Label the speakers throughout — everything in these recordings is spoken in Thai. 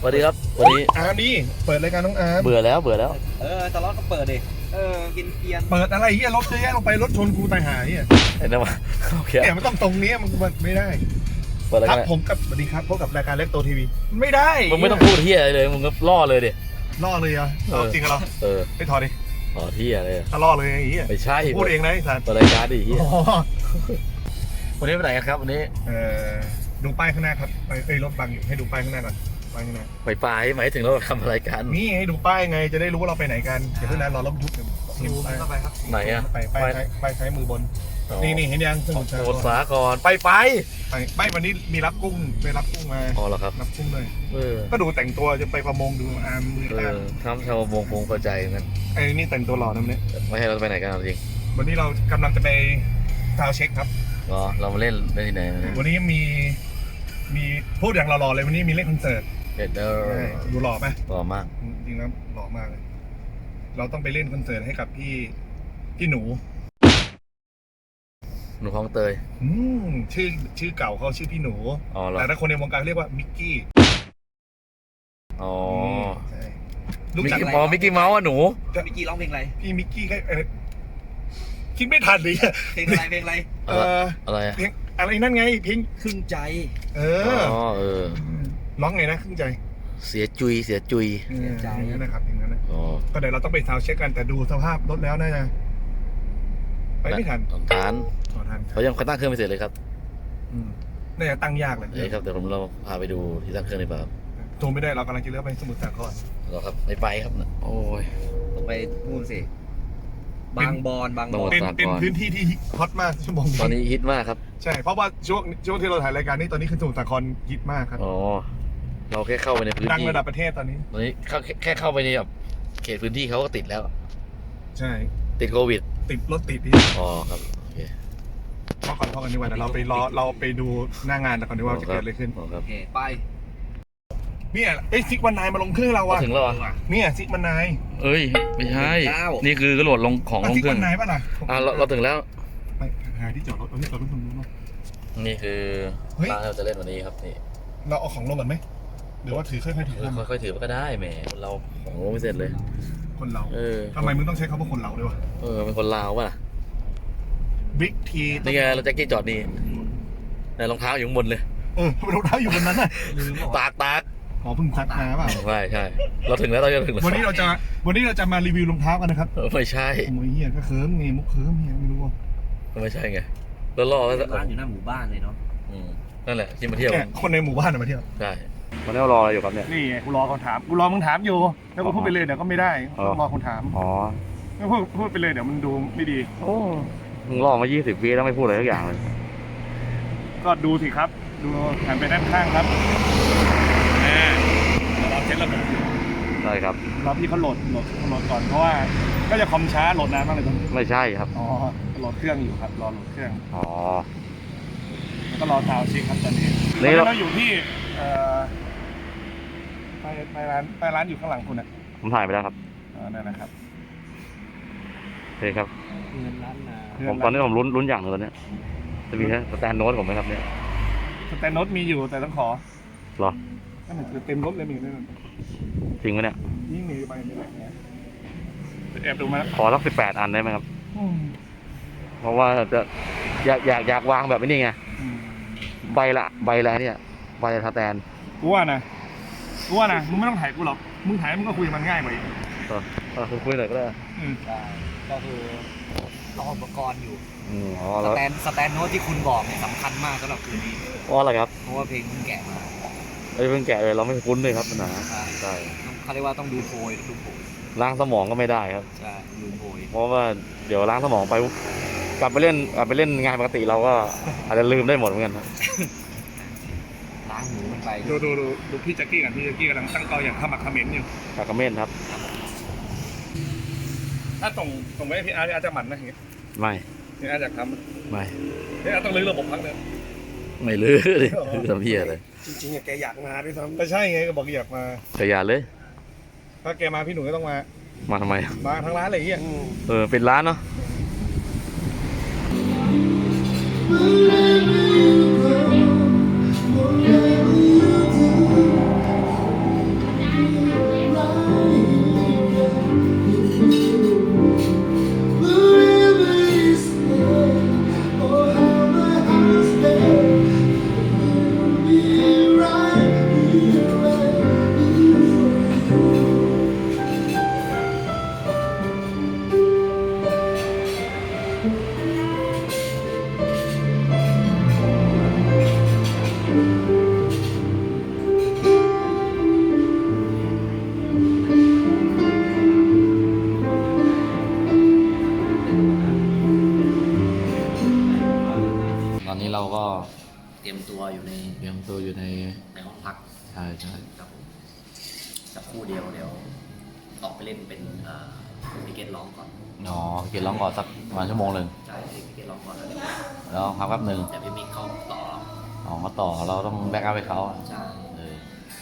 Speaker 1: วัสดีครับวันนี้
Speaker 2: อาร์มนี่เปิดรายการน้องอาร์ม
Speaker 1: เบื่อแล้ว
Speaker 3: ตลอดก็เปิดดิกินเกียน
Speaker 2: เปิดอะไรเฮียรถเยอะแยะลงไปรถชนกูตายหายเฮีย
Speaker 1: เห็นไหมโอเค
Speaker 2: เนี่ยมันต้องตรงนี้มันไม่ได้
Speaker 1: เปิดราย
Speaker 2: ครั
Speaker 1: กา
Speaker 2: บ
Speaker 1: ร
Speaker 2: ผมกับสวัสดีครับพบกับรายการเล็กโตทีวีไม่ได้
Speaker 1: มึงไม่ต้องพูดเฮียอะไรเลยมึงก็ล่อเลยดิ
Speaker 2: ล่อเลยอ่ะจริงเหรอไปถอดดิ
Speaker 1: อ๋อเฮียเลย
Speaker 2: ล่อเลยไอ้เฮีย
Speaker 1: ไม่ใช่
Speaker 2: พูดเองนะไอ้สัตว์
Speaker 1: เปิดรายการดิเฮียวันนี้ไปไหนกันครับวันนี้
Speaker 2: ดูป้ายข้างหน้าครับไปรถบังอยู่ให้ดูป้ายข้างหน้าก่อนป้ายข้างหน้า
Speaker 1: ไปหมายถึงเราทำรายการ
Speaker 2: นี่ให้ดูป้ายไงจะได้รู้ว่าเราไปไหนกันเดี๋ยวเพื่อนนั้นรอรถบรรทุก
Speaker 3: ซูมเข้าไปครับ
Speaker 1: ไหนอะ
Speaker 2: ไปใช้มือบนนี่เห็นยังสมุทรสาคร
Speaker 1: สาครไป
Speaker 2: วันนี้มีรับกุ้งไปรับกุ้งมา
Speaker 1: อ๋อเหรอครับ
Speaker 2: รับกุ้งเลยก็ดูแต่งตัวจะไปประมงดูอาร์มมืออาร์ม
Speaker 1: ทำชาวประมงคงเข้าใจงั้น
Speaker 2: ไอ้นี่แต่งตัวหล่อนะเนี่ย
Speaker 1: ไม่ให้เราไปไหนกันจริง
Speaker 2: วันนี้เรากำลังจะไปซาวเช็คครับ
Speaker 1: อ๋อเรามาเล่นที่ไหน
Speaker 2: วันนี้มีพูดอย่างหล่อๆเลยวันนี้มีเล่นคอนเสิร์ตดูหล่อไหม
Speaker 1: หล่อมาก
Speaker 2: จริงๆแล้วหล่อมากเลยเราต้องไปเล่นคอนเสิร์ตให้กับพี่หนู
Speaker 1: คลองเตย
Speaker 2: ชื่อเก่าเขาชื่อพี่หนูแต่ถ้าคนในวงการเรียกว่ามิกกี้
Speaker 1: อ๋อ
Speaker 2: รู้จัก
Speaker 1: มิกกี้เมาส์อ่ะหนู
Speaker 3: มิกกี้ร้องเพลงอะไร
Speaker 2: พี่มิกกี้คิดไม่ทันเลย
Speaker 3: เพลงอะไร
Speaker 1: อะไร
Speaker 2: เพลงอะไรนั่นไงเพลง
Speaker 3: ครึ่งใจ
Speaker 2: ร้องไงนะครึ่งใจ
Speaker 1: เสียจุย
Speaker 2: ใจนะครับอย่างนั้นนะก็เดี๋ยวเราต้องไปซาวเช็คกันแต่ดูสภาพรถแล้วน่าจะไปไม่ทัน
Speaker 1: ทันเขายังตั้งเครื่องไม่เสร็จเลยครับ
Speaker 2: น่าจะตั้งยากเลย
Speaker 1: ครับเดี๋ยวเราพาไปดูที่ตั้งเครื่องในป่า
Speaker 2: โทรไม่ได้เรากำลังจะเลือกไปสมุทรสาคร
Speaker 1: เราครับไปครับโอ้ย
Speaker 3: ต้องไปนู่นสิบางบอน
Speaker 2: เป็นพื้นที่ที่ฮอตมากชั่วโมงนี้
Speaker 1: ตอนนี้ฮิตมากครับ
Speaker 2: ใช่เพราะว่าช่วงที่เราถ่ายรายการนี้ตอนนี้คือสมุทรสาครฮิตมากครับ
Speaker 1: อ๋อเราแค่เข้าไปในพื้นที่
Speaker 2: ดังระดับประเทศตอนนี้
Speaker 1: แค่เข้าไปในแบบเขตพื้นที่เขาก็ติดแล้ว
Speaker 2: ใช่
Speaker 1: ติดโควิด
Speaker 2: รถติด
Speaker 1: อ๋อครับโอเค
Speaker 2: พอกันดีกว่าเราไปดูหน้างานก่อนดีกว่าจะเกิดอะไรขึ้น
Speaker 3: โอเคไป
Speaker 2: เนี่ยซิกวันนายมาลงเครื่องเราอะ
Speaker 1: ถึงแล้ว
Speaker 2: เนี่ยซิกวันนาย
Speaker 1: ไม่ใช่นี่คือกระโดดลงของลงเครื่อง
Speaker 2: ซิกวันนายป่ะล่ะ
Speaker 1: เราถึงแล้ว
Speaker 2: ไปหาที่จอดรถตรงนู้น
Speaker 1: นี่คือร้านเราจะเล่นวันนี้ครับนี่
Speaker 2: เราเอาของลงก่อนไหมหรือว่าถือค่อยๆถือ
Speaker 1: ค่อยๆถือก็ได้แหมเราของลงไม่เสร็จเลย
Speaker 2: คนเราทำไมมึงต้องใช้คำว่าคนเราด้วยวะ
Speaker 1: เป็นคนลาวป่ะ
Speaker 2: บิ๊กที
Speaker 1: นี่ไงเราแจ็คกี้จอดนี่ในรองเท้าอยู่ข้างบนเลย
Speaker 2: รองเท้าอยู่บนนั้นน่ะ
Speaker 1: ตาก
Speaker 2: เพิ่งซักมาป่ะ
Speaker 1: ใช่เราถึงแล้ว
Speaker 2: วันนี้เราจะมารีวิวรองเท้ากันนะครับ
Speaker 1: ไม่ใช่
Speaker 2: โอ้ยเฮียก็เคิร์มไงมุกเคิร์มเฮียไม่รู้ว่า
Speaker 1: ไม่ใช่ไงแล้วล่อแล้ว
Speaker 3: ร้านอยู่หน้าหมู่บ้านเลยเนาะ
Speaker 1: นั่นแหละที่มาเที่ยว
Speaker 2: คนในหมู่บ้านมาเที่ยว
Speaker 1: ใช่วันนี้เรารออยู่ครับเนี่ย
Speaker 2: นี่กูรอคนถามมึงถามอยู่แล้วกูพูดไปเลยเดี๋ยวก็ไม่ได้ต้องรอคนถามไม่พูดไปเลยเดี๋ยวมันดูไม่ดี
Speaker 1: มึงรอมา20 ปีแล้วไม่พูดอะไรสักอย่างเลย
Speaker 2: ก็ดูสิครับดูหันไปด้านข้างครับเราเช็คระบบ
Speaker 1: ใช่ครับ
Speaker 2: เราพี่เขาโหลดก่อนเพราะว่าก็จะคอมช้าโหลดนานมากเลยตรงนี้
Speaker 1: ไม่ใช่ครับ
Speaker 2: โหลดเครื่องอยู่ครับรอโหลดเครื่องแล้วก็รอซาวด์เช็คครับตอนนี้เราอยู่ที่ไปร้านอยู่ข้างหลังคุณนะ
Speaker 1: ผมถ่ายไปแล้วครับ
Speaker 2: นั่นนะครับ
Speaker 1: โอเคครับผมตอนนี้ผมลุ้นอย่างนึงตอนนี้จะมีสแตนโน้ตผมไหมครับเนี่ย
Speaker 2: สแตนโน้ตมีอยู่แต่ต้องขอ
Speaker 1: หรอ
Speaker 2: นั่นคือเต็มรถเลยมีนั่น
Speaker 1: จริงไหมเนี่ย
Speaker 2: ยิ่งมีใบนี้แอบดูมา
Speaker 1: ขอสัก18 อันได้ไหมครับเพราะว่าจะอยากวางแบบนี้ไงใบละเนี่ยใบสแตน
Speaker 2: กูว่านะมึงไม่ต้องถ่ายกูหรอกมึงถ่ายมึงก็คุยมันง่ายกว่าอีก
Speaker 1: คุณคุยหน่อยก็ได้
Speaker 3: ก็คือรออุปกรณ์อยู่สแตนโน้ตที่คุณบอกเนี่ยสำคัญมากสำหรับคืนนี้
Speaker 1: เพราะอะไรครับ
Speaker 3: เพราะว่าเพลงเพิ่งแกะมา
Speaker 1: เพิ่งแกะเลยเราไม่คุ้นเลยครับนะ
Speaker 3: ใช่เขาเรียกว่าต้องดูโพย
Speaker 1: ล้างสมองก็ไม่ได้ครับ
Speaker 3: ใช่ดูโพย
Speaker 1: เพราะว่าเดี๋ยวล้างสมองไปกลับไปเล่นงานปกติเราก็อาจจะลืมได้หมดเหมือนกัน
Speaker 3: ล้างหูมันไป
Speaker 2: ดูพี่แจ็คกี้กำลังตั้งเตาอย่างขมักเขม้นอยู่
Speaker 1: ขมิ้นครับ
Speaker 2: ถ้าส่งไว้พี่อาร์จะหมั่นนะอย่างเงี้ย
Speaker 1: ไม่
Speaker 2: พี่อาร์จะทำ
Speaker 1: ไม่
Speaker 2: พี่อาร์ต้องลื้อระบบพักเลย
Speaker 1: ไม่ลื้อเลยทำเพี้ยเลย
Speaker 2: จริงๆแกอยากมาด้วยซ้ำไม่ใช่ไงก็บอกอยากมา
Speaker 1: แต่อย่าเลย
Speaker 2: ถ้าแกมาพี่หนูก็ต้อง
Speaker 1: มาทำไม
Speaker 2: มาทั้งร้านเลยเฮีย
Speaker 1: เป็นร้านเนาะอนนี้เราก็
Speaker 3: เตรียมตัวอยู่ใน
Speaker 1: เตรียมตัวอยู่ใน
Speaker 3: ห้องพัก
Speaker 1: ใช่ใช่
Speaker 3: ครับผมสักครู่เดียวเดี๋ยวออกไปเล่นเป็นพิเกตร้องก่อน
Speaker 1: อ๋อเกียรร้องก่อนสักประมาณชั่วโมงหนึ่ง
Speaker 3: ใช่พิเกตร้องก่อนแล้ว
Speaker 1: แล้วพักแป๊บหนึ่ง
Speaker 3: แต่พี่มิกเขาต่อ
Speaker 1: อ๋อเขาต่อเราต้องแบ็กอัพให้เขา
Speaker 3: ใช่
Speaker 1: เออ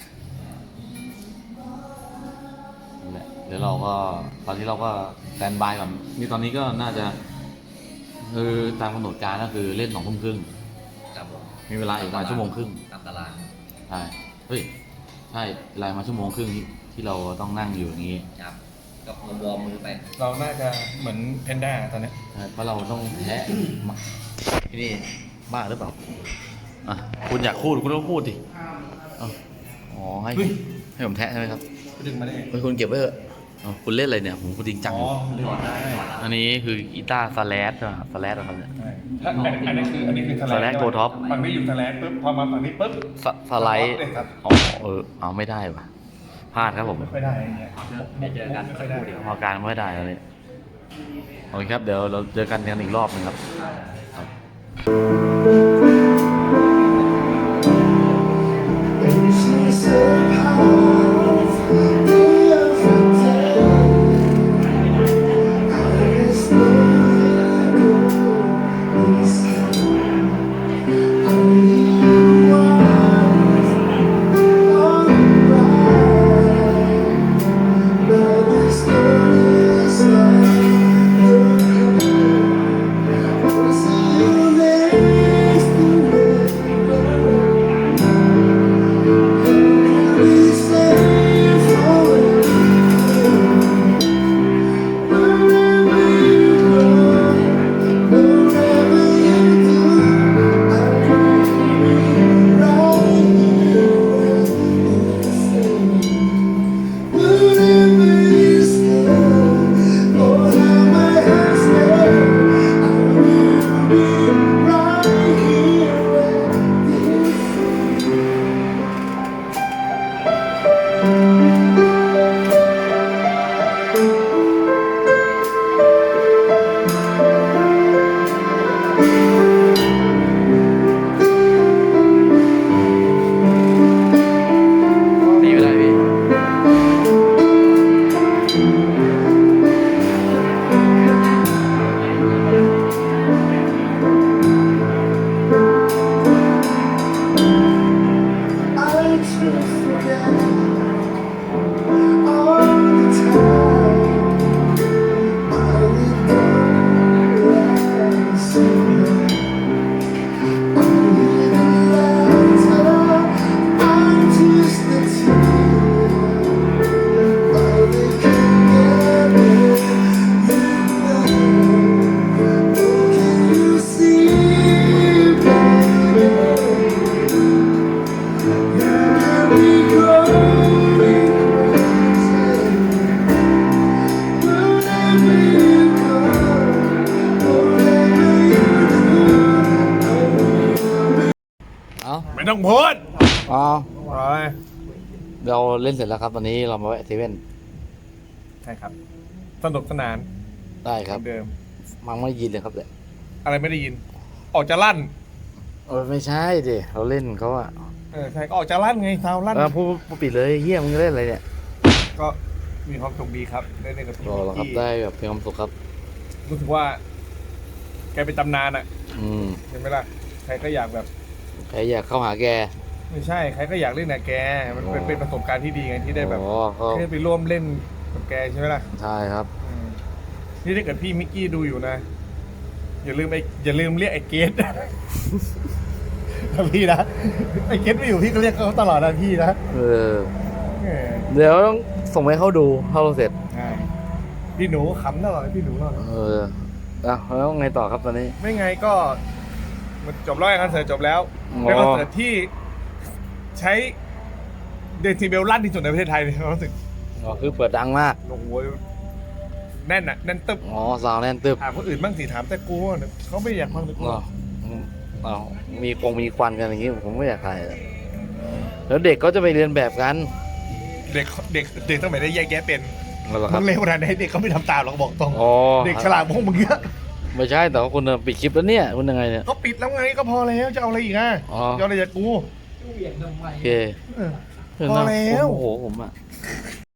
Speaker 1: นั่นแหละเดี๋ยวเราก็ตอนนี้เราก็สแตนบายก่อนนี่ตอนนี้ก็น่าจะคือตามกำหนดการก็คือเล่น2 ทุ่มครึ่ง
Speaker 3: ครับผม
Speaker 1: มีเวลาอีกประมาณชั่วโมงครึ่ง
Speaker 3: ตามตาราง
Speaker 1: ใช่เฮ้ยใช่เวลามาชั่วโมงครึ่งที่เราต้องนั่งอยู่อย่างนี้
Speaker 3: ครับก็วอร์มมือไป
Speaker 2: เราน่าจะเหมือนเพนด้าตอนนี้
Speaker 1: ใช่เพราะเราต้องแพ้มาที่นี่บ้าหรือเปล่าอ่ะคุณอยากพูดคุณต้องพูดดิเอาอ๋อให้ผมแทะใช่ไหมครับ
Speaker 2: ดึงมาได้
Speaker 1: เฮ้ยคุณเก็บไว้เถอะเอาคุณเล่นอะไรเนี่ยผมจริงจังอยู่
Speaker 2: ดึงมาได้
Speaker 1: อันนี้คือกีตาร์สแลชใช่ไหมสแลชอะไรเนี่ย
Speaker 2: อันนี้คือ
Speaker 1: สแลชโกท็อป
Speaker 2: ฝั่งนี้อยู่สแลชปุ๊บพอมาฝั่งนี้ปุ๊บ
Speaker 1: สไลด์
Speaker 2: เลยครับ
Speaker 1: อ๋อเอาไม่ได้ว่ะพลาดครับผม
Speaker 2: ไม่ค่อยได้อย่างเงี้ย
Speaker 3: ไม่เจอกัน
Speaker 2: ไม่
Speaker 3: สั
Speaker 2: ค่
Speaker 3: ก
Speaker 2: อย
Speaker 3: ค
Speaker 2: ได้
Speaker 3: รู่เดียว
Speaker 1: พอการไม่ได้แล้วเนี่ยโอเคครับเดี๋ยวเราเจอกันอีกรอบหนึงครับ นี่ไม่ได้พี่ เอา
Speaker 2: ไม่ต้องพูด
Speaker 1: เอา
Speaker 2: อะไร
Speaker 1: เราเล่นเสร็จแล้วครับตอนนี้เรามาแวะเซเว่น
Speaker 2: ใช่ครับ สนุกสนาน
Speaker 1: ได้ครับ
Speaker 2: เหมือนเดิม
Speaker 1: มังไม่ได้ยินเลยครับเนี่ย
Speaker 2: อะไรไม่ได้ยิน ออกจะลั่น
Speaker 1: ไม่ใช่ดิเราเล่นเขาอะ
Speaker 2: ใช่ก็ออกจะลั่นไงซาวลั่น
Speaker 1: พูดปิดเลยเฮียมึงเล่นอะไรเนี่ย
Speaker 2: ก็มีความสุขดีครับได้เล่นกับพี่
Speaker 1: รอแล้วครับ
Speaker 2: ที่
Speaker 1: ได้แบบเพียงความสุขครับ
Speaker 2: รู้สึกว่า แกเป็นตำนานอ่ะ
Speaker 1: อืม
Speaker 2: เห็นไหมล่ะใครก็อยากแบบ
Speaker 1: ใครอยากเข้าหาแก
Speaker 2: ไม่ใช่ใครก็อยากเล่นกับแกมันเป็นประสบการณ์ที่ดีไงที่ได้แบบ
Speaker 1: อ๋อเขา
Speaker 2: ได้ไปร่วมเล่นกับแกใช่ไหมล่ะ
Speaker 1: ใช่ครับ
Speaker 2: นี่ถ้าเกิดพี่มิกกี้ดูอยู่นะ อย่าลืมเรียกไอ้เกต นะพี่นะไอ้เกตไม่อยู่พี่ก็เรียกเขาตลอดนะพี่นะ
Speaker 1: เออ
Speaker 2: แหม
Speaker 1: เดี๋ยวต้องส่งไปให้เขาดูเข้าเสร็จ
Speaker 2: ใช่พี่หนูขำตลอดเลยพี่หนูตลอด
Speaker 1: เออแล้วไงต่อครับตอนนี้
Speaker 2: ไม่ไงก็มันจบแล้วคอนเสิร์ตจบแล้ว
Speaker 1: อ๋อ
Speaker 2: เป็นคอนเสิร์ตที่ใช้เดซิเบลลั่นที่สุดในประเทศไทยเลยรู้สึก
Speaker 1: อ๋อคือเปิดดังมาก
Speaker 2: โอ้โหแน่นอ่ะแน่นตึบ
Speaker 1: อ๋อซาวแน่นตึบ
Speaker 2: ถามคนอื่นบ้างสิถามแต่กูเนี่ยเขาไม่อยากฟังแต่กู
Speaker 1: อ๋ออ๋อมีควันกันอย่างงี้ผมไม่อยากถ่ายเลยแล้วเด็กก็จะไปเรียนแบบกัน
Speaker 2: เด็กต้องไปได้แยกแยะเป็น
Speaker 1: นั่นแหละค
Speaker 2: มึ
Speaker 1: รับ
Speaker 2: งเร็วขนาดไหนเด็กเขาไม่ทำตามหรอกบอกตรง
Speaker 1: อ๋อ
Speaker 2: เด็กฉลาดพวกมึงเยอะ
Speaker 1: ไม่ใช่แต่ว่าคุณปิดคลิปแล้วเนี่ยคุณยังไงเนี่ย
Speaker 2: ก็ปิดแล้วไงก็พอแล้วจะเอาอะไรอีกอ่ะ
Speaker 1: อ๋อ
Speaker 2: จะเอาอะไรจากกู
Speaker 3: เหวี่ยงทำไม
Speaker 1: โอเค
Speaker 2: เออ
Speaker 1: เออ
Speaker 2: พอแล้ว
Speaker 1: โอ้โหผมอ่ะ